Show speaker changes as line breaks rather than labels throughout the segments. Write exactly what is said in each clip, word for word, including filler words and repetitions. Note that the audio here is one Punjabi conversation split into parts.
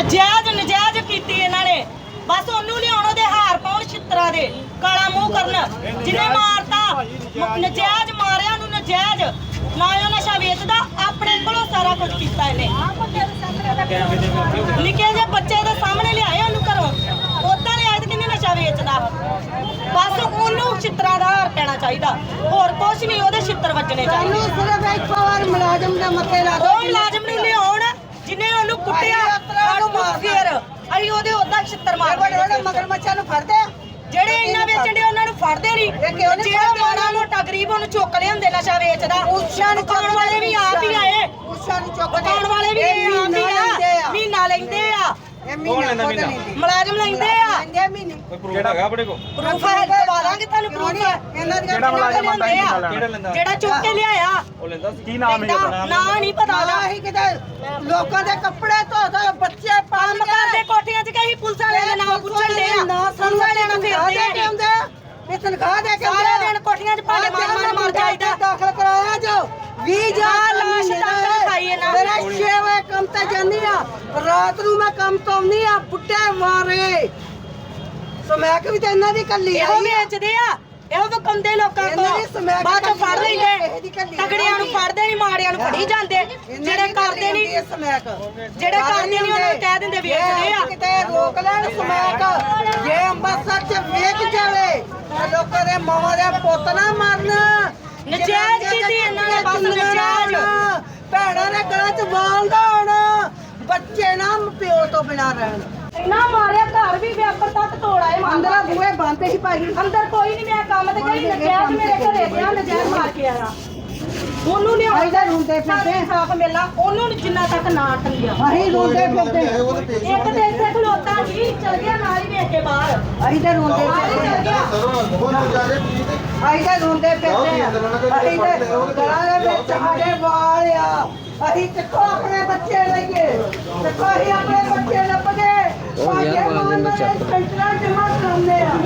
ਜਾਇਜ਼ ਨਜਾਇਜ਼ ਕੀਤੀ ਇਹਨਾਂ ਨੇ। ਬਸ ਉਹਨੂੰ ਲਿਆਉਣ ਉਹਦੇ ਹਾਰ ਪਾਉਣ ਛਿੱਤਰਾਂ ਦੇ ਕਾਲਾ ਮੂੰਹ ਕਰਨ। ਜਿਹਨੇ ਮਾਰਤਾ ਨਜਾਇਜ਼ ਮਾਰਿਆ ਨੂੰ ਨਜਾਇਜ਼ ਨਾ ਉਹ ਨਸ਼ਾ ਵੇਚਦਾ ਆਪਣੇ ਕੋਲੋਂ ਸਾਰਾ ਕੁਝ ਕੀਤਾ ਇਹਨੇ। ਨਿੱਕੇ ਜਿਹੇ ਬੱਚੇ ਦੇ ਸਾਹਮਣੇ ਲਿਆਏ ਉਹਨੂੰ ਘਰੋਂ ਉਦਾਂ ਲਿਆਏ ਤੇ ਕਿੰਨੇ ਨਸ਼ਾ ਵੇਚਦਾ। ਬਸ ਉਹਨੂੰ ਛਿੱਤਰਾਂ ਦਾ ਹਾਰ ਪੈਣਾ ਚਾਹੀਦਾ ਹੋਰ ਕੁਝ ਨਹੀਂ ਉਹਦੇ ਛਿੱਤਰ ਵੱਜਣੇ ਚਾਹੀਦੇ।
ਸਿਰਫ ਇੱਕ ਵਾਰ ਮੁਲਾਜ਼ਮ ਦੇ ਮੱਥੇ ਲਾ
ਦੋ ਮੁਲਾਜ਼ਮ ਨੂੰ ਲਿਆਉਣ ਜਿਹਨੇ ਉਹਨੂੰ ਕੁੱਟਿਆ ਫੇਰ ਅਸੀਂ ਉਹਦੇ ਉਦਾਂ ਛਿੱਤਰ ਮਾਰਦੇ।
ਮਗਰਮੱਛਾਂ ਨੂੰ ਫੜਦੇ
ਜਿਹੜੇ ਇੰਨਾ ਵੇਚਣ ਦੇ ਉਹਨਾਂ ਨੂੰ ਫੜਦੇ ਨਹੀਂ। ਜਿਹੜਾ ਮਾੜਾ ਮੋਟਾ ਗਰੀਬ ਉਹਨੂੰ ਚੁੱਕ ਲਿਆਉਂਦੇ ਨਸ਼ਾ ਵੇਚਦਾ।
ਉਸ਼ਾ ਨੂੰ
ਦੁਕਾਨ ਵਾਲੇ ਵੀ ਆਪ ਹੀ ਆਏ।
ਉਸ਼ਾ ਨੂੰ ਚੁੱਕ
ਦੁਕਾਨ ਵਾਲੇ ਵੀ ਆਪ ਹੀ ਆ ਮਹੀਨਾ ਲੈਂਦੇ ਆ। ਮੁਲਾਜ਼ਮ ਲੈਂਦੇ ਆ
ਕਿਹੜਾ ਹੈਗਾ ਆਪਣੇ ਕੋਲ
ਪ੍ਰੂਫ ਹੈ ਦਵਾ ਦਾਂਗੇ ਤੁਹਾਨੂੰ ਪ੍ਰੂਫ।
ਕਿਹੜਾ ਮੁਲਾਜ਼ਮ ਆਂਦਾ ਕਿਹੜਾ ਲੈਂਦਾ
ਜਿਹੜਾ ਚੁੱਕ ਕੇ ਲਿਆਇਆ
ਉਹ ਲੈਂਦਾ ਕੀ ਨਾਮ ਹੈ ਆਪਣਾ
ਨਾ ਨਹੀਂ ਪਤਾ ਦਾ।
ਅਸੀਂ ਕਿਤੇ ਲੋਕਾਂ ਦੇ ਕੱਪੜੇ ਧੋ ਧੋ ਬੱਚੇ ਪਾਲ
ਕੰਮ ਕਰਦੇ ਕੋਠੀਆਂ 'ਚ ਕਹੀ ਪੁਲਿਸ ਵਾਲੇ ਦੇ ਨਾਮ ਪੁੱਛਣ ਦੇ ਆ। ਪੁਲਿਸ ਵਾਲੇ ਨੂੰ ਫਿਰਦੇ ਆ
ਇਹ ਤਨਖਾਹ ਦੇ ਕੇ
ਸਾਰਾ ਦਿਨ ਕੋਠੀਆਂ 'ਚ ਭਾਂਡੇ ਮਾਰ ਮਾਰ ਮਾਰ ਜਾਈਦਾ।
ਦਾਖਲ ਕਰਾਇਆ ਜੋ ਵੀਹ ਹਜ਼ਾਰ
ਲਾਸ਼ ਦਾਖਲ ਖਾਈ ਇਹਨਾਂ
ਮੇਰਾ ਛੇ ਵਜੇ ਕੰਮ ਤੇ ਜਾਂਦੀ ਆ ਰਾਤ ਨੂੰ ਮੈਂ ਕੰਮ ਤੋਂ ਆਉਂਦੀ ਆ ਬੁੱਢੇ ਮਾਰੇ ਸਮੈਕ ਵੀ ਤੇ ਇਹਨਾਂ ਦੀ ਕੱਲੀ
ਇਹੋ ਵੇਚਦੇ ਆ ਇਹੋ ਵਕੰਦੇ ਲੋਕਾਂ ਕੋਲ ਬਾਅਦ ਚ ਫੜ ਲੈਂਦੇ। ਤਗੜਿਆਂ ਨੂੰ ਫੜਦੇ ਨਹੀਂ ਮਾੜਿਆਂ ਨੂੰ ਫੜੀ ਜਾਂਦੇ। ਜਿਹੜੇ ਕਰਦੇ ਨਹੀਂ ਜਿਹੜੇ ਕਰਦੇ ਨਹੀਂ ਉਹਨਾਂ ਨੂੰ ਕਹਿ ਦਿੰਦੇ ਵੇਚਦੇ ਆ।
ਕਿਤੇ ਰੋਕ ਲੈਣ ਸਮੈਕ ਜੇ ਅੰਮ੍ਰਿਤਸਰ ਚ ਵੇਚ ਜਾਵੇ ਤੇ ਲੋਕਾਂ ਦੇ ਮਾਵਾਂ ਦੇ ਪੁੱਤ ਨਾ ਮਰਨ।
ਨਜਾਇਜ਼ ਕੀਤੀ ਇਹਨਾਂ ਨੇ ਬਸ ਨਜਾਇਜ਼।
ਭੈਣਾਂ ਦੇ ਗਲਾਂ ਚ ਵਾਲ ਦਾ ਹੋਣਾ ਬੱਚੇ ਨਾ ਪਿਓ ਤੋਂ ਬਿਨਾਂ ਰਹਿਣ।
ਇੰਨਾ ਮਾਰਿਆ ਘਰ ਵੀ ਵੇਪਰ ਤੱਕ ਤੋੜ ਆਏ।
ਅੰਦਰ ਬੂਹੇ ਬੰਦ ਹੀ ਭਾਈ
ਅੰਦਰ ਕੋਈ ਨਹੀਂ ਮੈਂ ਕੰਮ ਤੇ ਗਈ ਨਜਾਇਜ਼ ਮੇਰੇ ਘਰੇ ਗਿਆ ਨਜਾਇਜ਼ ਮਾਰ ਕੇ ਆਇਆ। ਉਹਨੂੰ ਨਹੀਂ
ਆਈਦਾ ਰੋਂਦੇ ਫਿਰਦੇ
ਸਾਫ ਮੇਲਾ ਉਹਨੂੰ ਜਿੰਨਾ ਤੱਕ ਨਾ ਟੰਗਿਆ।
ਅਸੀਂ ਰੋਂਦੇ ਫਿਰਦੇ
ਇੱਕ ਤੇ ਇੱਥੇ ਖਲੋਤਾ ਜੀ ਚਲ ਗਿਆ ਨਾਲ ਹੀ ਵੇਖ ਕੇ ਬਾਹਰ।
ਅਸੀਂ ਤਾਂ ਰੋਂਦੇ ਫਿਰਦੇ ਅਸੀਂ ਤਾਂ ਰੋਂਦੇ ਫਿਰਦੇ ਅਸੀਂ ਤਾਂ ਗਲਾਂ ਦੇ ਵਿੱਚ ਸਾਡੇ ਵਾਲ ਆ। ਅਸੀਂ ਚੱਕੋ ਆਪਣੇ ਬੱਚੇ ਲਈਏ ਚੱਕੋ ਅਸੀਂ ਆਪਣੇ ਬੱਚੇ ਲੱਭ ਗਏ ਭਾਈਏ ਮਾਨ ਦੇ ਸੈਂਟਰਾਂ ਜਮਾ ਕਰਾਉਂਦੇ ਆ।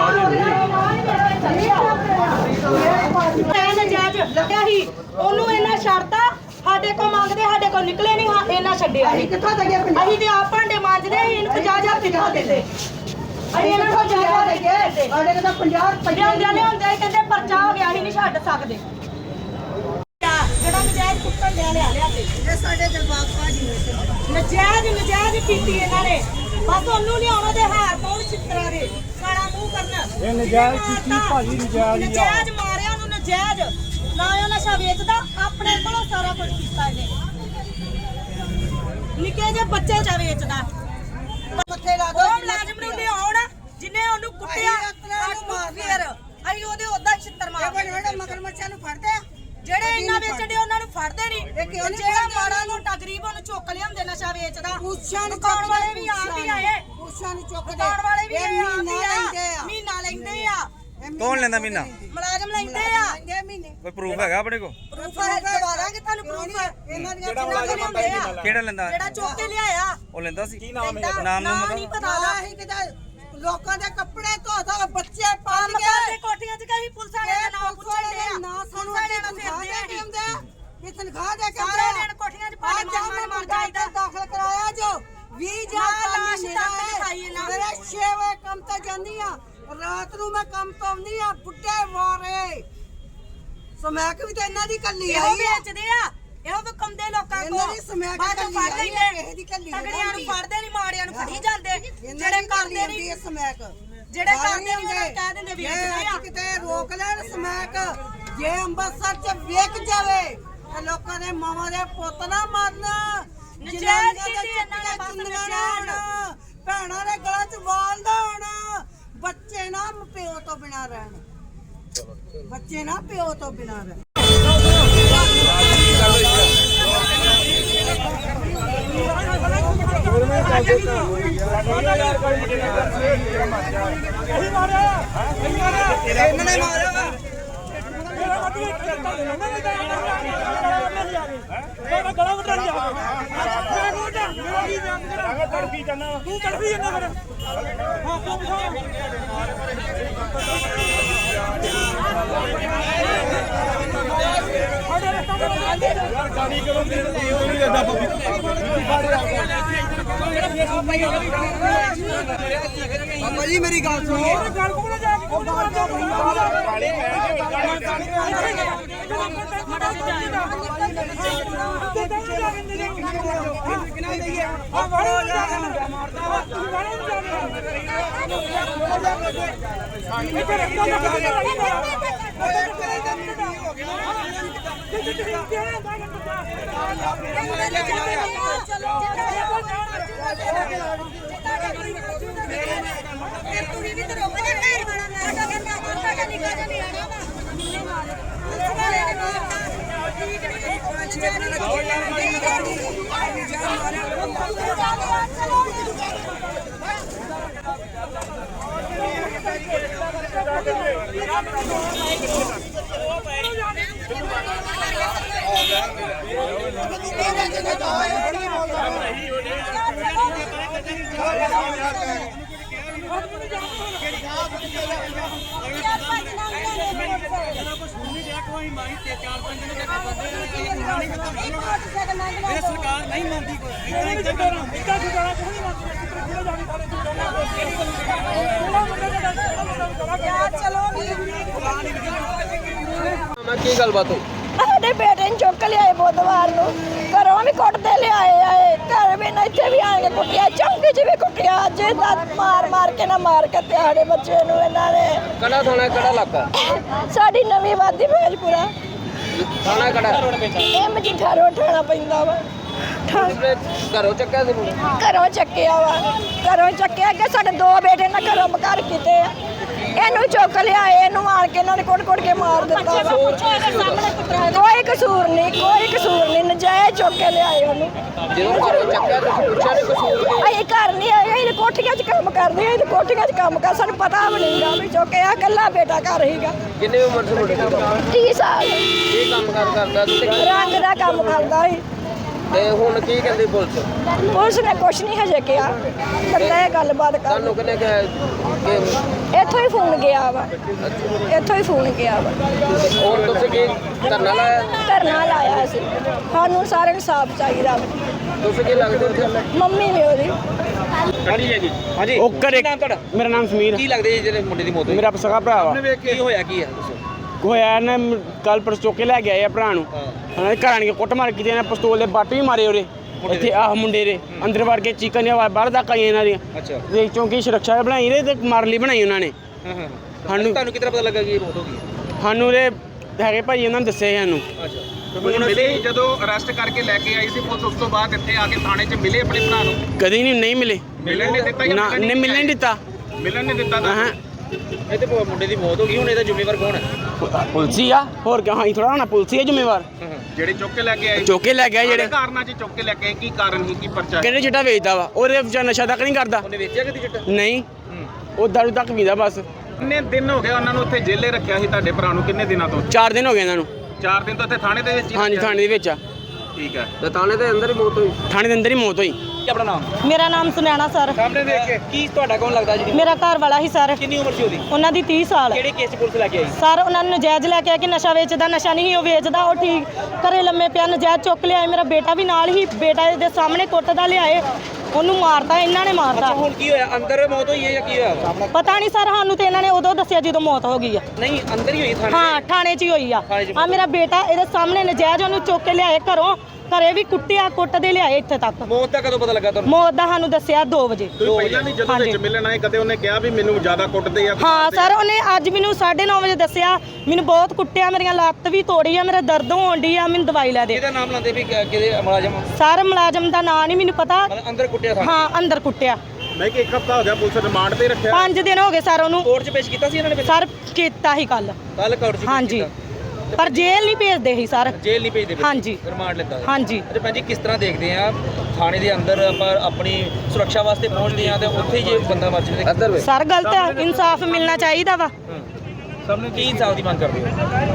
ਲੱਗਿਆ ਸੀ ਉਹਨੂੰ ਇਹਨਾਂ ਛੱਡਤਾ ਸਾਡੇ ਕੋਲ ਮੰਗਦੇ ਸਾਡੇ ਕੋਲ ਨਿਕਲੇ ਨਹੀਂ ਹਾਂ ਇਹਨਾਂ ਛੱਡਿਆ।
ਅਸੀਂ ਕਿੱਥੋਂ ਤੱਕ ਪੰਜਾਹ
ਅਸੀਂ ਤੇ ਆਪ ਭਾਂਡੇ ਮਾਂਜਦੇ ਇਹਨੂੰ ਪੰਜਾਹ ਹਜ਼ਾਰ ਦਿਖਾ ਦਿੰਦੇ। ਅਸੀਂ ਇਹਨਾਂ ਕੋਲ ਪੰਜਾਹ ਹਜ਼ਾਰ ਦੇ ਕੇ
ਸਾਡੇ ਕੋਲ ਤਾਂ ਪੰਜਾਹ
ਲਿਆਉਂਦੇ ਲਿਆਉਂਦੇ ਕਹਿੰਦੇ ਪਰਚਾ ਹੋ ਗਿਆ ਅਸੀਂ ਨਹੀਂ ਛੱਡ ਸਕਦੇ। ਜਿਹੜਾ ਨਜਾਇਜ਼ ਕੁੱਟਣ ਲਿਆ ਲਿਆ ਲਿਆ ਕੇ
ਇਹ ਸਾਡੇ ਦਿਲਬਾਗ ਭਾਜੀ ਨੇ
ਨਜਾਇਜ਼ ਨਜਾਇਜ਼ ਕੀਤੀ ਇਹਨਾਂ ਨੇ। ਬਸ ਉਹਨੂੰ ਲਿਆਉਣ ਉਹਦੇ ਹਾਰ ਪਾਉਣ ਛਿੱਤਰਾਂ ਦੇ ਕਾਲਾ ਮੂੰਹ ਕਰਨ।
ਇਹ ਨਜਾਇਜ਼ ਕੀਤੀ ਭਾਜੀ ਨਜਾਇਜ਼ ਹੀ ਆ।
ਨਜਾਇਜ਼ ਮਾਰਿਆ ਉਹਨੂੰ ਨਜਾਇਜ਼ ਨਾ ਉਹ ਨਸ਼ਾ ਵੇਚਦਾ ਆਪਣੇ ਕੋਲੋਂ ਸਾਰਾ ਕੁਝ ਕੀਤਾ ਇਹਨੇ। ਨਿੱਕੇ ਜਿਹੇ ਬੱਚੇ ਚਾ ਵੇਚਦਾ।
ਮੱਥੇ ਲਾ ਦੋ
ਉਹ ਮੁਲਾਜ਼ਮ ਨੂੰ ਲਿਆਉਣ ਜਿਹਨੇ ਉਹਨੂੰ ਕੁੱਟਿਆ ਫੇਰ ਅਸੀਂ ਉਹਦੇ ਉਦਾਂ ਛਿੱਤਰ ਮਾਰਦੇ।
ਮਗਰਮੱਛਾਂ ਨੂੰ ਫੜਦੇ
ਜਿਹੜੇ ਇੰਨਾ ਵੇਚਦੇ ਉਹਨਾਂ ਨੂੰ ਫੜਦੇ ਨਹੀਂ। ਜਿਹੜਾ ਮਾੜਾ ਮੋਟਾ ਗਰੀਬ ਉਹਨੂੰ ਚੁੱਕ ਲਿਆਉਂਦੇ ਨਸ਼ਾ ਵੇਚਦਾ।
ਉਸ਼ਾ ਨੂੰ
ਦੁਕਾਨ ਵਾਲੇ ਵੀ ਆਪ ਹੀ ਆਏ।
ਉਸ਼ਾ ਨੂੰ ਚੁੱਕ
ਦੁਕਾਨ ਵਾਲੇ ਵੀ
ਇਹ
ਆਪ ਹੀ
ਲੈਂਦੇ
ਆ
ਆ
ਮਹੀਨਾ ਲੈਂਦੇ ਆ।
ਕੌਣ ਲੈਂਦਾ ਮਹੀਨਾ
ਮੁਲਾਜ਼ਮ ਲੈਂਦੇ ਆ।
ਲੈਂਦੇ ਮਹੀਨੇ
ਕੋਈ ਪ੍ਰੂਫ ਹੈਗਾ ਆਪਣੇ ਕੋਲ
ਪ੍ਰੂਫ ਹੈ ਦਵਾ ਦਾਂਗੇ ਤੁਹਾਨੂੰ ਪ੍ਰੂਫ।
ਇਹਨਾਂ ਦੀਆਂ
ਕਿਹੜਾ ਮੁਲਾਜ਼ਮ ਆਂਦਾ ਕਿਹੜਾ ਲੈਂਦਾ
ਜਿਹੜਾ ਚੁੱਕ ਕੇ ਲਿਆਇਆ
ਉਹ ਲੈਂਦਾ ਸੀ ਕੀ
ਨਾਮ
ਨਾਮ
ਨਾ
ਨੂੰ
ਨਹੀਂ ਪਤਾ ਦਾ।
ਅਸੀਂ ਕਿਤੇ ਲੋਕਾਂ ਦੇ ਕੱਪੜੇ ਧੋ ਧੋ ਬੱਚੇ ਪਾਲ
ਕੰਮ ਕਰਦੇ ਕੋਠੀਆਂ 'ਚ ਕਹੀ ਪੁਲਿਸ ਵਾਲੇ ਦਾ ਨਾਮ ਪੁੱਛਣ ਦੇ ਆ।
ਨਾ ਸਾਨੂੰ
ਵਾਲੇ ਨੂੰ
ਤਨਖਾਹ
ਫਿਰਦੇ
ਦੇ
ਆ
ਕੇ ਆਉਂਦੇ ਇਹ ਤਨਖਾਹ ਦੇ ਕੇ
ਸਾਰੇ ਦਿਨ ਕੋਠੀਆਂ 'ਚ ਭਾਂਡੇ ਮਾਰ ਮਾਰ ਮਾਰ ਜਾਈਦਾ।
ਦਾਖਲ ਕਰਾਇਆ ਜੋ ਵੀਹ ਹਜ਼ਾਰ
ਲਾਸ਼ ਦਾਖਲ ਖਾਈ ਇਹਨਾਂ।
ਮੇਰੇ ਛੇ ਵਜੇ ਕੰਮ ਤੇ ਜਾਂਦੀ ਆ ਰਾਤ ਨੂੰ ਮੈਂ ਕੰਮ ਤੋਂ ਆਉਂਦੀ ਆ ਬੁੱਢੇ ਮਾਰੇ ਸਮੈਕ ਵੀ ਤੇ ਇਹਨਾਂ ਦੀ ਕੱਲੀ
ਇਹੋ
ਆਈ ਆ।
ਵੇਚਦੇ ਆ ਇਹੋ ਵਕੰਦੇ ਲੋਕਾਂ
ਇਹਨਾਂ
ਕੋਲ
ਦੀ ਸਮੈਕ
ਬਾਅਦ ਚ
ਕੱਲੀ
ਫੜ
ਆਈ ਆ,
ਲੈਂਦੇ।
ਕਿਸੇ ਦੀ ਕੱਲੀ
ਤਗੜਿਆਂ ਨੂੰ ਫੜਦੇ ਨਹੀਂ ਮਾੜਿਆਂ ਨੂੰ ਫੜੀ ਜਾਂਦੇ। ਜਿਹੜੇ
ਜਿਹੜੇ
ਕਰਦੇ ਨਹੀਂ
ਸਮੈਕ
ਜਿਹੜੇ ਕਰਦੇ ਨਹੀਂ ਉਹਨਾਂ ਨੂੰ ਕਹਿ ਦਿੰਦੇ ਵੇਚਦੇ ਆ।
ਕਿਤੇ ਰੋਕ ਲੈਣ ਸਮੈਕ ਜੇ ਅੰਮ੍ਰਿਤਸਰ ਚ ਵੇਚ ਜਾਵੇ ਤੇ ਲੋਕਾਂ ਦੇ ਮਾਵਾਂ ਦੇ ਪੁੱਤ ਨਾ ਮਰਨ।
ਨਜਾਇਜ਼ ਕੀਤੀ ਇਹਨਾਂ ਨੇ ਬਸ ਨਜਾਇਜ਼।
ਭੈਣਾਂ ਦੇ ਗਲਾਂ ਚ ਵਾਲ ਦਾ ਹੋਣਾ ਬੱਚੇ ਨਾ ਪਿਓ ਤੋਂ ਬਿਨਾਂ ਰਹਿਣ। ਬੱਚੇ ਨਾ ਪਿਓ ਤੋਂ ਬਿਨਾਂ ਰਹਿਣ।
ਇਹਨਾਂ ਨੇ ਮਾਰਿਆ
ਗਲਾ ਵਟਾ ਲਿਆ ਤੜਫੀ ਜਾਣਾ ਤੂੰ ਤੜਫੀ ਜਾਣਾ ਫਿਰ ਹਾਂ ਤੂੰ ਯਾਰ ਗਾੜੀ ਕਰੋ ਤੇ ਉਹ ਨਹੀਂ ਜਾਂਦਾ ਬੱਬੀ
ਬਾਬਾ ਜੀ ਮੇਰੀ ਗੱਲ ਸੁਣੋ।
ਗੱਲ ਕੋਲ ਜਾ ਕੇ ਕੋਲ ਕਾਲੀ
ਸਰਕਾਰ ਨਹੀਂ ਮੰਨਦੀ
ਕੀ ਗੱਲਬਾਤ ਹੋਈ?
ਸਾਡੇ ਬੇਟੇ ਨੂੰ ਚੁੱਕ ਲਿਆਏ ਬੁੱਧਵਾਰ ਨੂੰ ਘਰੋਂ ਵੀ ਕੁੱਟਦੇ ਲਿਆਏ ਆਏ ਘਰ ਵੀ ਨਾ ਇੱਥੇ ਵੀ ਆ ਕੇ ਕੁੱਟਿਆ ਚੌਂਕੇ 'ਚ ਵੀ ਕੁੱਟਿਆ ਅੱਜ ਦੰਦ ਮਾਰ ਮਾਰ ਕੇ ਨਾ ਮਾਰ ਕੇ ਸਾਡੇ ਬੱਚੇ ਨੂੰ ਇਹਨਾਂ ਨੇ।
ਕਿਹੜਾ ਥਾਣਾ ਕਿਹੜਾ ਇਲਾਕਾ?
ਸਾਡੀ ਨਵੀਂ ਵਾਦੀ ਭੇਜਪੁਰਾ
ਥਾਣਾ ਕਿਹੜਾ?
ਇਹ ਮਜੀਠਾ ਰੋਡ ਠਾਣਾ ਪੈਂਦਾ ਵਾ ਠਾ-
ਘਰੋਂ ਚੱਕਿਆ ਸੀ ਮੁੰਡੇ?
ਘਰੋਂ ਚੱਕਿਆ ਵਾ ਘਰੋਂ ਚੱਕਿਆ ਕਿ ਸਾਡੇ ਦੋ ਬੇਟੇ ਨਾ ਘਰੋਂ ਬਕਾਰ ਕੀਤੇ ਆ ਇਹਨੂੰ ਚੁੱਕ ਲਿਆਏ ਇਹਨੂੰ ਮਾਰ ਕੇ ਇਹਨਾਂ ਨੇ ਕੁੱਟ ਕੁੱਟ ਕੇ ਮਾਰ ਦਿੱਤਾ ਵਾ। ਕੋਈ ਕਸੂਰ ਨਹੀਂ ਕੋਈ ਕਸੂਰ ਨਹੀਂ ਨਜਾਇਜ਼ ਚੁੱਕ ਕੇ ਲਿਆਏ ਉਹਨੂੰ।
ਜਦੋਂ ਘਰੋਂ ਚੱਕਿਆ ਤੁਸੀਂ ਪੁੱਛਿਆ ਨਹੀਂ ਕਸੂਰ ਕੀ?
ਅਸੀਂ ਘਰ ਨਹੀਂ ਆਏ ਅਸੀਂ ਕੋਠੀਆਂ 'ਚ ਕੰਮ ਕਰਦੇ ਹਾਂ ਅਸੀਂ ਕੋਠੀਆਂ 'ਚ ਕੰਮ ਕਰ ਸਾਨੂੰ ਪਤਾ ਵੀ ਨਹੀਂਗਾ ਵੀ ਚੁੱਕਿਆ ਇਕੱਲਾ ਬੇਟਾ ਘਰ ਹੀਗਾ
ਕਿੰਨੀ ਉਮਰ ਸੀ ਮੁੰਡੇ ਦੀ?
ਤੀਹ ਸਾਲ
ਕੀ ਕੰਮ ਕਾਰ ਕਰਦਾ ਸੀ ਤੇ
ਰੰਗ ਦਾ ਕੰਮ ਕਰਦਾ ਸੀ
ਤੇ ਹੁਣ ਕੀ ਕਹਿੰਦੀ ਪੁਲਿਸ?
ਪੁਲਿਸ ਨੇ ਕੁਛ ਨਹੀਂ ਹਜੇ ਕਿਹਾ ਕੱਲਾ ਇਹ ਗੱਲਬਾਤ ਕਰ
ਤੁਹਾਨੂੰ ਕਿਹਨੇ ਕਿਹਾ ਕਿ
ਇੱਥੋਂ ਹੀ ਫੋਨ ਗਿਆ ਵਾ ਇੱਥੋਂ ਹੀ ਫੋਨ ਗਿਆ ਵਾ
ਹੋਰ ਤੁਸੀਂ ਕੀ ਧਰਨਾ ਲਾਇਆ?
ਧਰਨਾ ਲਾਇਆ ਸੀ ਸਾਨੂੰ ਸਾਰਿਆਂ ਨੂੰ ਸਾਫ ਚਾਹੀਦਾ ਵਾ।
ਤੁਸੀਂ ਕੀ ਲੱਗਦੇ ਉੱਥੇ?
ਮੰਮੀ ਨੇ ਉਹਦੀ
ਹਾਂਜੀ ਹਾਂਜੀ ਹਾਂਜੀ
ਉਹ ਘਰੇ
ਨਾਮ ਤੁਹਾਡਾ?
ਮੇਰਾ ਨਾਮ ਸਮੀਰ
ਕੀ ਲੱਗਦੇ ਜੀ ਜਿਹੜੇ ਮੁੰਡੇ ਦੀ ਮੌਤ ਹੋਈ?
ਮੇਰਾ ਸਗਾ ਭਰਾ ਵਾ
ਕੀ ਹੋਇਆ ਕੀ ਹੈ ਦੱਸੋ।
ਹੋਇਆ ਨਾ ਕੱਲ ਪਰਸ ਚੁੱਕ ਕੇ ਲੈ ਗਿਆ ਆ ਭਰਾ ਨੂੰ ਉਹਨਾਂ ਦੇ ਘਰ ਆਣ ਕੇ ਕੁੱਟ ਮਾਰ ਕੀਤੀ ਇਹਨਾਂ ਪਸਤੌਲ ਦੇ ਬੱਟ ਵੀ ਮਾਰੇ ਉਹਦੇ ਇੱਥੇ ਆਹ ਮੁੰਡੇ ਦੇ ਅੰਦਰ ਵੜ ਕੇ ਚੀਕਾਂ ਦੀਆਂ ਆਵਾਜ਼ ਬਾਹਰ ਤੱਕ ਆਈਆਂ ਇਹਨਾਂ ਦੀਆਂ
ਅੱਛਾ
ਤੇ ਚੌਂਕੀ ਸੁਰੱਖਿਆ ਬਣਾਈ ਰਹੇ ਤੇ ਮਾਰ ਲਈ ਬਣਾਈ ਉਹਨਾਂ ਨੇ
ਹਾਂ ਹਾਂ
ਸਾਨੂੰ
ਤੁਹਾਨੂੰ ਕਿਤਨਾ ਪਤਾ ਲੱਗਾ ਕਿ ਇਹ ਮੌਤ ਹੋ ਗਈ?
ਸਾਨੂੰ ਦੇ ਹੈਗੇ ਭਾਈ ਉਹਨਾਂ ਨੇ ਦੱਸਿਆ ਸਾਨੂੰ
ਅੱਛਾ
ਹੁਣ ਮਿਲੇ ਜਦੋਂ ਅਰੈਸਟ ਕਰਕੇ ਲੈ ਕੇ ਆਈ ਸੀ ਪੁਲਿਸ ਉਸ ਤੋਂ ਬਾਅਦ ਇੱਥੇ ਆ ਕੇ ਥਾਣੇ 'ਚ ਮਿਲੇ ਆਪਣੇ ਭਰਾ ਨੂੰ?
ਕਦੀ ਨਹੀਂ ਨਹੀਂ ਮਿਲੇ
ਮਿਲਣ ਨਹੀਂ ਦਿੱਤਾ ਜਾਂ
ਨਾ
ਮਿਲਣ
ਨੇ ਮਿਲਣ ਨਹੀਂ ਦਿੱਤਾ
ਮਿਲਣ ਨਹੀਂ ਦਿੱਤਾ ਤਾਂ
ਹਾਂ
ਇਹ ਤੇ ਮੁੰਡੇ ਦੀ ਮੌਤ ਹੋ ਗਈ ਹੁਣ ਇਹਦਾ ਜ਼ਿੰਮੇਵਾਰ ਕੌਣ ਹੈ?
ਪੁਲਸੀ ਆ ਹੋਰ ਕਿਉਂ ਹਾਂ ਥੋੜਾ ਹੋਣਾ ਪੁਲਸੀ ਆ ਜ਼ਿੰਮੇਵਾਰ
ਜਿਹੜੇ ਚੁੱਕ ਕੇ ਲੈ ਕੇ ਆਏ
ਚੁੱਕ ਕੇ ਲੈ ਗਿਆ
ਜਿਹੜੇ
ਜਿਹੜੇ
ਕਾਰਨਾਂ 'ਚ ਚੁੱਕ ਕੇ ਲੈ ਕੇ ਆਏ ਕੀ ਕਾਰਨ ਸੀ ਕੀ ਪਰਚਾ?
ਕਹਿੰਦੇ ਚਿੱਟਾ ਵੇਚਦਾ ਵਾ ਉਹਦੇ ਵਿੱਚ ਨਸ਼ਾ ਤੱਕ ਨਹੀਂ ਕਰਦਾ
ਉਹਨੇ ਵੇਚਿਆ ਕਿਤੇ ਚਿੱਟਾ?
ਨਹੀਂ ਉਹ ਦਾਰੂ ਤੱਕ ਪੀਂਦਾ ਬਸ।
ਕਿੰਨੇ ਦਿਨ ਹੋ ਗਏ ਉਹਨਾਂ ਨੂੰ ਉੱਥੇ ਜੇਲੇ ਰੱਖਿਆ ਸੀ ਤੁਹਾਡੇ ਭਰਾ ਨੂੰ? ਕਿੰਨੇ ਦਿਨਾਂ ਤੋਂ?
ਚਾਰ ਦਿਨ ਹੋ ਗਏ ਇਹਨਾਂ ਨੂੰ।
ਚਾਰ ਦਿਨ ਤੋਂ ਇੱਥੇ ਥਾਣੇ ਦੇ ਵਿੱਚ ਹੀ
ਹਾਂਜੀ
ਰੱਖਿਆ?
ਥਾਣੇ ਦੇ ਵਿੱਚ ਆ
ਠੀਕ ਹੈ।
ਤੇ ਥਾਣੇ ਦੇ ਅੰਦਰ ਹੀ ਮੌਤ ਹੋਈ?
ਥਾਣੇ ਦੇ ਅੰਦਰ ਹੀ ਮੌਤ ਹੋਈ।
ਕੀ ਆਪਣਾ ਨਾਮ?
ਮੇਰਾ ਨਾਮ ਸੁਨੈਣਾ ਸਰ
ਸਾਹਮਣੇ ਦੇਖ ਕੇ ਕੀ ਤੁਹਾਡਾ ਕੌਣ ਲੱਗਦਾ ਜੀ?
ਮੇਰਾ ਘਰ ਵਾਲਾ ਹੀ ਸਰ
ਕਿੰਨੀ ਉਮਰ ਸੀ ਉਹਦੀ?
ਉਹਨਾਂ ਦੀ ਤੀਹ ਸਾਲ
ਕਿਹੜੇ ਕੇਸ 'ਚ ਪੁਲਿਸ ਲੈ ਕੇ ਆਈ?
ਸਰ ਉਹਨਾਂ ਨੂੰ ਨਜਾਇਜ਼ ਲੈ ਕੇ ਆ ਕਿ ਨਸ਼ਾ ਵੇਚਦਾ ਨਸ਼ਾ ਨਹੀਂ ਉਹ ਵੇਚਦਾ ਉਹ ਠੀਕ ਘਰੇ ਲੰਮੇ ਪਿਆ ਨਜਾਇਜ਼ ਚੁੱਕ ਲਿਆਏ ਮੇਰਾ ਬੇਟਾ ਵੀ ਨਾਲ ਹੀ ਬੇਟਾ ਦੇ ਸਾਹਮਣੇ ਕੁੱਟਦਾ ਲਿਆਏ ਉਹਨੂੰ ਮਾਰਦਾ ਇਹਨਾਂ ਨੇ ਮਾਰਦਾ
ਹੁਣ ਕੀ ਹੋਇਆ? ਅੰਦਰ ਮੌਤ ਹੋਈ ਹੈ ਜਾਂ ਕੀ ਹੋਇਆ?
ਪਤਾ ਨਹੀਂ ਸਰ ਸਾਨੂੰ ਤੇ ਇਹਨਾਂ ਨੇ ਉਦੋਂ ਦੱਸਿਆ ਜਦੋਂ ਮੌਤ ਹੋ ਗਈ ਆ
ਨਹੀਂ ਅੰਦਰ ਹੀ ਹੋਈ ਥਾਣੇ
ਹਾਂ ਥਾਣੇ 'ਚ ਹੀ ਹੋਈ ਆ
ਥਾਣੇ 'ਚ
ਆ ਮੇਰਾ ਬੇਟਾ ਇਹਦੇ ਸਾਹਮਣੇ ਨਜਾਇਜ਼ ਉਹਨੂੰ ਚੁੱਕ ਕੇ ਲਿਆਏ ਘਰੋਂ ਘਰੇ ਵੀ ਕੁੱਟਿਆ ਕੁੱਟਦੇ ਲਿਆਏ ਇੱਥੇ ਤੱਕ
ਮੌਤ ਦਾ ਕਦੋਂ ਪਤਾ ਲੱਗਾ ਤੁਹਾਨੂੰ?
ਮੌਤ ਦਾ ਸਾਨੂੰ ਦੱਸਿਆ ਦੋ ਵਜੇ
ਤੁਸੀਂ ਪਹਿਲਾਂ ਵੀ ਜਦੋਂ ਵਿੱਚ
ਹਾਂਜੀ।
ਮਿਲਣ ਆਏ ਕਦੇ ਉਹਨੇ ਕਿਹਾ ਵੀ ਮੈਨੂੰ ਜ਼ਿਆਦਾ ਕੁੱਟਦੇ ਆ?
ਹਾਂ ਸਰ ਉਹਨੇ ਅੱਜ ਮੈਨੂੰ ਸਾਢੇ ਨੌ ਵਜੇ ਦੱਸਿਆ ਮੈਨੂੰ ਬਹੁਤ ਕੁੱਟਿਆ ਮੇਰੀਆਂ ਲੱਤ ਵੀ ਤੋੜੀ ਆ ਮੇਰਾ ਦਰਦ ਹੋਣ ਡਈ ਆ ਮੈਨੂੰ ਦਵਾਈ ਲੈ ਦੇ
ਕਿਹਦਾ ਨਾਮ ਲਾਉਂਦੇ ਵੀ ਕਿ- ਕਿਹਦੇ ਮੁਲਾਜ਼ਮ?
ਸਰ ਮੁਲਾਜ਼ਮ ਦਾ ਨਾਂ ਨਹੀਂ ਮੈਨੂੰ ਪਤਾ
ਮਤਲਬ ਅੰਦਰ ਕੁੱਟਿਆ ਥਾਣੇ?
ਹਾਂ ਅੰਦਰ ਕੁੱਟਿਆ
ਮੈਂ ਕਿ ਇੱਕ ਹਫ਼ਤਾ ਹੋ ਗਿਆ ਪੁਲਿਸ ਰਿਮਾਂਡ ਤੇ ਰੱਖਿਆ?
ਪੰਜ ਦਿਨ ਹੋ ਗਏ ਸਰ ਉਹਨੂੰ
ਕੋਰਟ 'ਚ ਪੇਸ਼ ਕੀਤਾ ਸੀ ਇਹਨਾਂ ਨੇ?
ਸਰ ਕੀਤਾ ਹੀ ਕੱਲ
ਕੱਲ ਕੋਰਟ 'ਚ ਪੇਸ਼
ਹਾਂਜੀ
ਕੀਤਾ।
ਪਰ ਜੇਲ੍ਹ ਨਹੀਂ ਭੇਜਦੇ ਸੀ ਸਰ
ਜੇਲ੍ਹ ਨਹੀਂ ਭੇਜਦੇ?
ਹਾਂਜੀ।
ਰਿਮਾਂਡ ਲੈਂਦਾ?
ਹਾਂਜੀ
ਅੱਛਾ ਭੈਣ ਜੀ ਕਿਸ ਤਰ੍ਹਾਂ ਦੇਖਦੇ ਆ ਥਾਣੇ ਦੇ ਅੰਦਰ ਆਪਾਂ ਆਪਣੀ ਸੁਰੱਖਿਆ ਵਾਸਤੇ ਪਹੁੰਚਦੇ ਆ ਤੇ ਉੱਥੇ ਹੀ ਜੇ ਬੰਦਾ ਮਰ ਜਾਵੇ?
ਅੰਦਰ ਵੇ
ਸਰ ਗਲਤ ਆ ਇਨਸਾਫ ਮਿਲਣਾ ਚਾਹੀਦਾ ਵਾ
ਸਾਹਮਣੇ ਕੀ ਇਨਸਾਫ ਦੀ ਮੰਗ ਕਰਦੇ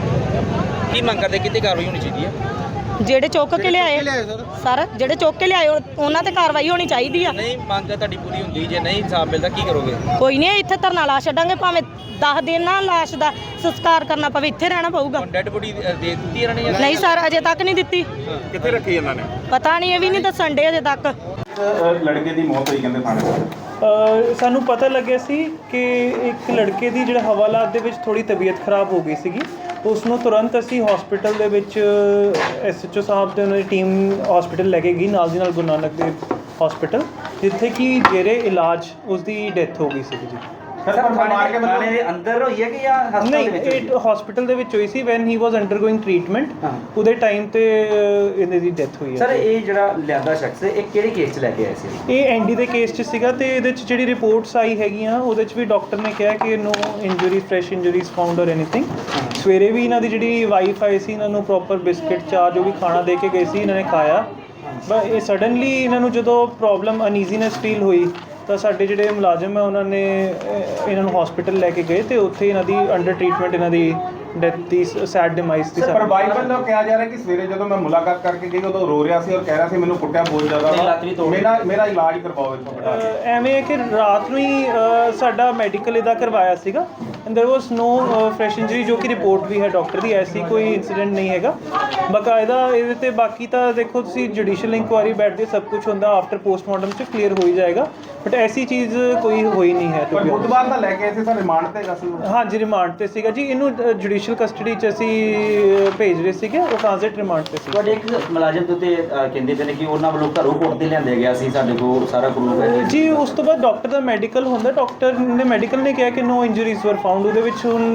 ਹੋ? ਕੀ ਮੰਗ ਕਰਦੇ ਕਿਤੇ ਕਾਰਵਾਈ ਹੋਣੀ ਚਾਹੀਦੀ ਹੈ?
ਜਿਹੜੇ ਚੁੱਕ ਕੇ ਲਿਆਏ ਸਰ ਜਿਹੜੇ ਚੁੱਕ ਕੇ ਲਿਆਏ ਉਹ- ਉਹਨਾਂ ਤੇ ਕਾਰਵਾਈ ਹੋਣੀ ਚਾਹੀਦੀ ਆ
ਨਹੀਂ ਮੰਗ ਤੁਹਾਡੀ ਪੂਰੀ ਹੁੰਦੀ ਜੇ ਨਹੀਂ ਇਨਸਾਫ ਮਿਲਦਾ ਕੀ ਕਰੋਗੇ?
ਕੋਈ ਨਹੀਂ ਇੱਥੇ ਧਰਨਾ ਲਾ ਛੱਡਾਂਗੇ ਭਾਵੇਂ ਦਸ ਦਿਨ ਨਾਲ ਲਾਸ਼ ਦਾ ਸੰਸਕਾਰ ਕਰਨਾ ਪਵੇ ਇੱਥੇ ਰਹਿਣਾ ਪਊਗਾ
ਹੁਣ ਡੈਡ ਬੋਡੀ ਦੇ ਦਿੱਤੀ ਇਹਨਾਂ ਨੇ ਜਾਂ
ਨਹੀਂ ਸਰ ਅਜੇ ਤੱਕ ਨਹੀਂ ਦਿੱਤੀ
ਕਿੱਥੇ ਰੱਖੀ ਇਹਨਾਂ ਨੇ?
ਪਤਾ ਨਹੀਂ ਇਹ ਵੀ ਨਹੀਂ ਦੱਸਣ ਡੇ ਅਜੇ ਤੱਕ
ਲੜਕੇ ਦੀ ਮੌਤ ਹੋਈ ਕਹਿੰਦੇ ਥਾਣੇ ਵਿੱਚ।
ਅ, ਸਾਨੂੰ ਪਤਾ ਲੱਗਿਆ ਸੀ ਕਿ ਇੱਕ ਲੜਕੇ ਦੀ ਜਿਹੜਾ ਹਵਾਲਾਤ ਦੇ ਵਿੱਚ ਥੋੜੀ ਤਬੀਅਤ ਖਰਾਬ ਹੋ ਗਈ ਸੀਗੀ। ਉਸ ਨੂੰ ਤੁਰੰਤ ਅਸੀਂ ਹਸਪੀਟਲ ਦੇ ਵਿੱਚ ਐਸ ਐਚ ਓ ਸਾਹਿਬ ਦੇ ਉਹਨਾਂ ਦੀ ਟੀਮ ਹਸਪੀਟਲ ਲੈ ਕੇ ਗਈ, ਨਾਲ ਦੀ ਨਾਲ ਗੁਰੂ ਨਾਨਕ ਦੇਵ ਹਸਪੀਟਲ, ਜਿੱਥੇ ਕਿ ਜੇਰੇ ਇਲਾਜ ਉਸ ਦੀ ਡੈਥ ਹੋ ਗਈ ਸੀਗੀ ਜੀ।
ਸਰ ਪਰ ਮਾਰ ਕੇ
ਥਾਣੇ ਦੇ ਅੰਦਰ ਹੋਈ ਹੈ ਕਿ ਜਾਂ ਹਸਪਤਾਲ
ਨਹੀਂ,
ਦੇ ਵਿੱਚ?
ਇਹ ਹਸਪੀਟਲ ਦੇ ਵਿੱਚ ਹੋਈ ਸੀ when he was undergoing treatment. ਉਹਦੇ ਟਾਈਮ ਤੇ ਅ, ਇਹਦੀ ਦੀ ਡੈਥ ਹੋਈ ਹੈ।
ਸਰ ਇਹ ਜਿਹੜਾ ਲਿਆਂਦਾ ਸ਼ਖਸ ਇਹ ਕਿਹੜੇ ਕੇਸ 'ਚ ਲੈ ਕੇ ਆਏ ਸੀ?
ਇਹ ਐਨਡੀ ਦੇ ਕੇਸ 'ਚ ਸੀਗਾ ਤੇ ਇਹਦੇ 'ਚ ਜਿਹੜੀ ਰਿਪੋਰਟਸ ਆਈ ਹੈਗੀਆਂ ਉਹਦੇ 'ਚ ਵੀ ਡਾਕਟਰ ਨੇ ਕਿਹਾ ਕਿ no injury fresh injuries found or anything. ਸਵੇਰੇ ਵੀ ਇਹਨਾਂ ਦੀ ਜਿਹੜੀ ਵਾਈਫ ਆਈ ਸੀ, ਇਹਨਾਂ ਨੂੰ ਪ੍ਰੋਪਰ ਬਿਸਕਿਟ ਚਾਹ ਜੋ ਵੀ ਖਾਣਾ ਦੇ ਕੇ ਗਏ ਸੀ, ਇਹਨਾਂ ਨੇ ਖਾਇਆ। ਬਸ ਇਹ ਸਡਨਲੀ ਇਹਨਾਂ ਨੂੰ ਜਦੋਂ ਪ੍ਰੋਬਲਮ ਅਨਈਜ਼ੀਨੈਸ ਫੀਲ ਹੋਈ ਤਾਂ ਸਾਡੇ ਜਿਹੜੇ ਮੁਲਾਜ਼ਮ ਹੈ ਉਹਨਾਂ ਨੇ ਅਹ, ਇਹਨਾਂ ਨੂੰ ਹਸਪੀਟਲ ਲੈ ਕੇ ਗਏ ਤੇ ਉੱਥੇ ਇਹਨਾਂ ਦੀ ਅੰਡਰ ਟ੍ਰੀਟਮੈਂਟ ਇਹਨਾਂ ਦੀ ਡੈਥ ਦੀ ਸੈਡ ਡਿਮਾਈਸ ਦੀ
ਪਰ ਬਾਈ ਵੱਲੋਂ ਕਿਹਾ ਜਾ ਰਿਹਾ ਕਿ ਸਵੇਰੇ ਜਦੋਂ ਮੈਂ ਮੁਲਾਕਾਤ ਕਰਕੇ ਗਈ ਉਦੋਂ ਰੋ ਰਿਹਾ ਸੀ ਔਰ ਕਹਿ ਰਿਹਾ ਸੀ ਮੈਨੂੰ ਕੁੱਟਿਆ ਬਹੁਤ ਜ਼ਿਆਦਾ ਵਾ, ਮੇਰਾ ਮੇਰਾ ਇਲਾਜ ਕਰਵਾਓ ਇੱਥੋਂ ਬਿਠਾ ਕੇ।
ਅਹ, ਐਵੇਂ ਹੈ ਕਿ ਰਾਤ ਨੂੰ ਹੀ ਅਹ, ਸਾਡਾ ਮੈਡੀਕਲ ਇਹਦਾ ਕਰਵਾਇਆ ਸੀਗਾ and there was no fresh injury, ਜੋ ਕਿ ਰਿਪੋਰਟ ਵੀ ਹੈ ਡਾਕਟਰ ਦੀ, ਐਸੀ ਕੋਈ ਇਨਸੀਡੈਂਟ ਨਹੀਂ ਹੈਗਾ ਬਕਾਇਦਾ ਇਹਦੇ ਤੇ। ਬਾਕੀ ਤਾਂ ਦੇਖੋ ਤੁਸੀਂ ਜੁਡੀਸ਼ੀਅਲ ਇਨਕੁਆਇਰੀ ਬੈਠਦੇ ਸਭ ਕੁਝ ਹੁੰਦਾ, ਆਫਟਰ ਪੋਸਟਮਾਰਟਮ 'ਚ ਕਲੀਅਰ ਹੋ ਹੀ ਜਾਏਗਾ, ਬਟ ਐਸੀ ਚੀਜ਼ ਕੋਈ ਹੋਈ ਨਹੀਂ ਹੈ।
ਪਰ ਬੁੱਧਵਾਰ ਦਾ ਲੈ ਕੇ ਆਏ ਸੀ ਸਰ, ਰਿਮਾਂਡ ਤੇ ਹੈਗਾ ਸੀ ਉਹ।
ਹਾਂਜੀ, ਰਿਮਾਂਡ ਤੇ ਸੀਗਾ ਜੀ। ਇਹਨੂੰ ਜੁਡੀਸ਼ੀਅਲ ਕਸਟਡੀ 'ਚ ਅਸੀਂ ਅਹ, ਭੇਜ ਰਹੇ ਸੀਗੇ, ਉਹ ਟ੍ਰਾਂਜ਼ਿਟ ਰਿਮਾਂਡ ਤੇ ਸੀ।
ਤੁਹਾਡੇ ਇੱਕ ਮੁਲਾਜ਼ਮ ਦੇ ਉੱਤੇ ਅ, ਕਹਿੰਦੇ ਪਏ ਨੇ ਕਿ ਉਹਨਾਂ ਵੱਲੋਂ ਘਰੋਂ ਕੋਟ ਤੇ ਲਿਆਂਦੇ ਗਿਆ ਸੀ, ਸਾਡੇ ਕੋਲ ਸਾਰਾ ਪ੍ਰੂਫ ਹੈ ਜੀ।
ਜੀ ਉਸ ਤੋਂ ਬਾਅਦ ਡਾਕਟਰ ਦਾ ਮੈਡੀਕਲ ਹੁੰਦਾ, ਡਾਕਟਰ ਨੇ ਮੈਡੀਕਲ ਨੇ ਕਿਹਾ ਕਿ ਨੋ ਇੰਜਰੀਜ਼ ਵਰ ਫਾਊਂਡ। ਉਹਦੇ ਵਿੱਚ ਹੁਣ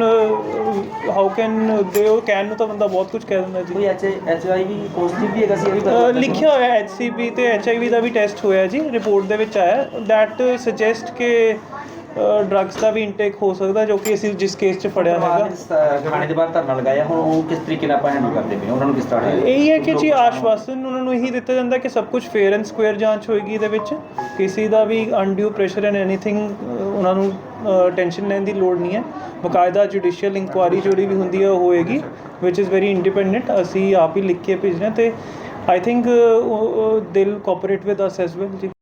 ਹਾਊ ਕੈਨ ਦੇ ਉਹ ਕੈਨ ਨੂੰ ਤਾਂ ਬੰਦਾ ਬਹੁਤ ਕੁਝ ਕਹਿ ਦਿੰਦਾ ਜੀ।
ਕੋਈ H H I V positive ਵੀ ਹੈਗਾ ਸੀ, ਇਹ ਵੀ
ਅਹ,
ਪਤਾ
ਲਿਖਿਆ ਹੋਇਆ ਐਚ ਸੀ ਬੀ ਤੇ ਐਚ ਆਈ ਵੀ ਦਾ ਵੀ ਟੈਸਟ ਹੋਇਆ ਜੀ, ਰਿਪੋਰਟ ਦੇ ਵਿੱਚ ਆਇਆ ਦੈਟ ਸੁਜੈਸਟ ਕਿ ਡਰੱਗਸ ਦਾ ਵੀ ਇਨਟੇਕ ਹੋ ਸਕਦਾ, ਜੋ ਕਿ ਅਸੀਂ ਜਿਸ ਕੇਸ 'ਚ ਫੜਿਆ ਹੈਗਾ।
ਥਾਣੇ ਦੇ ਬਾਹਰ ਧਰਨਾ ਲਗਾਇਆ, ਹੁਣ ਉਹ ਕਿਸ ਤਰੀਕੇ ਨਾਲ ਆਪਾਂ ਹੈਂਡਲ ਕਰਦੇ ਪਏ, ਉਹਨਾਂ ਨੂੰ ਕਿਸ ਤਰ੍ਹਾਂ
ਇਹੀ ਹੈ ਕਿ ਜੀ ਆਸ਼ਵਾਸਨ ਉਹਨਾਂ ਨੂੰ ਇਹੀ ਦਿੱਤਾ ਜਾਂਦਾ ਕਿ ਸਭ ਕੁਝ ਫੇਅਰ ਐਂਡ ਸਕੁਅਰ ਜਾਂਚ ਹੋਏਗੀ ਇਹਦੇ ਵਿੱਚ, ਕਿਸੇ ਦਾ ਵੀ ਅਨਡਿਊ ਪ੍ਰੈਸ਼ਰ ਐਂਡ ਐਨੀਥਿੰਗ ਉਹਨਾਂ ਨੂੰ ਟੈਨਸ਼ਨ ਲੈਣ ਦੀ ਲੋੜ ਨਹੀਂ ਹੈ। ਬਕਾਇਦਾ ਜੁਡੀਸ਼ੀਅਲ ਇਨਕੁਆਇਰੀ ਜਿਹੜੀ ਵੀ ਹੁੰਦੀ ਹੈ ਉਹ ਹੋਏਗੀ, ਵਿਚ ਇਜ਼ ਵੈਰੀ ਇੰਡੀਪੈਂਡੈਂਟ। ਅਸੀਂ ਆਪ ਹੀ ਲਿਖ ਕੇ ਭੇਜਣਾ ਤੇ I think they'll cooperate with us as well ਜੀ।